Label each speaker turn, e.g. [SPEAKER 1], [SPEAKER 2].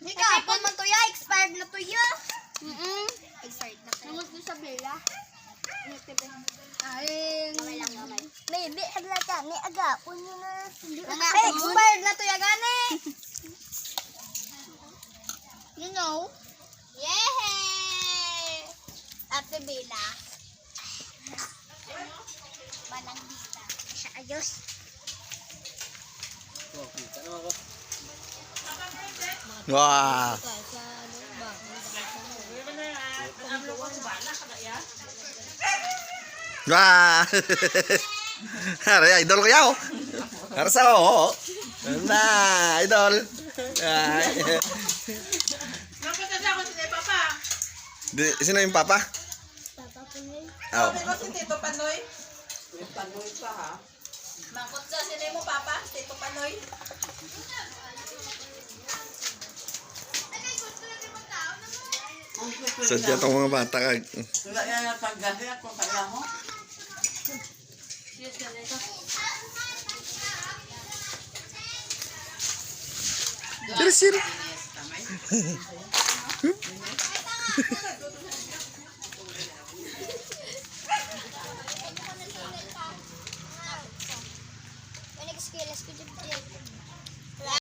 [SPEAKER 1] Hindi ka, apon man to ya. Expired na to ya. Expired na to.
[SPEAKER 2] Namus doon sa Bella.
[SPEAKER 1] Ay, gamay lang, gamay.
[SPEAKER 2] Baby, habla ka. May aga. Puno na.
[SPEAKER 1] Ay, expired na to ya, gani. You know? Yay! Ate Bella. Manang Bella.
[SPEAKER 2] Sa ayos.
[SPEAKER 3] Wah. Wah. Hari idol ko yaw. Harsa ko. Na, idol. Ay. Sino yung papa?
[SPEAKER 2] Papa Punoy.
[SPEAKER 3] Oh.
[SPEAKER 4] Sabi ko si Tito Panoy. Panoy pa ha. Mangkot sa sino mo papa? Tito Panoy.
[SPEAKER 3] Sadya tong mga bata kag.
[SPEAKER 4] Wala yan ang paggahi ako kaya mo.
[SPEAKER 3] Sir.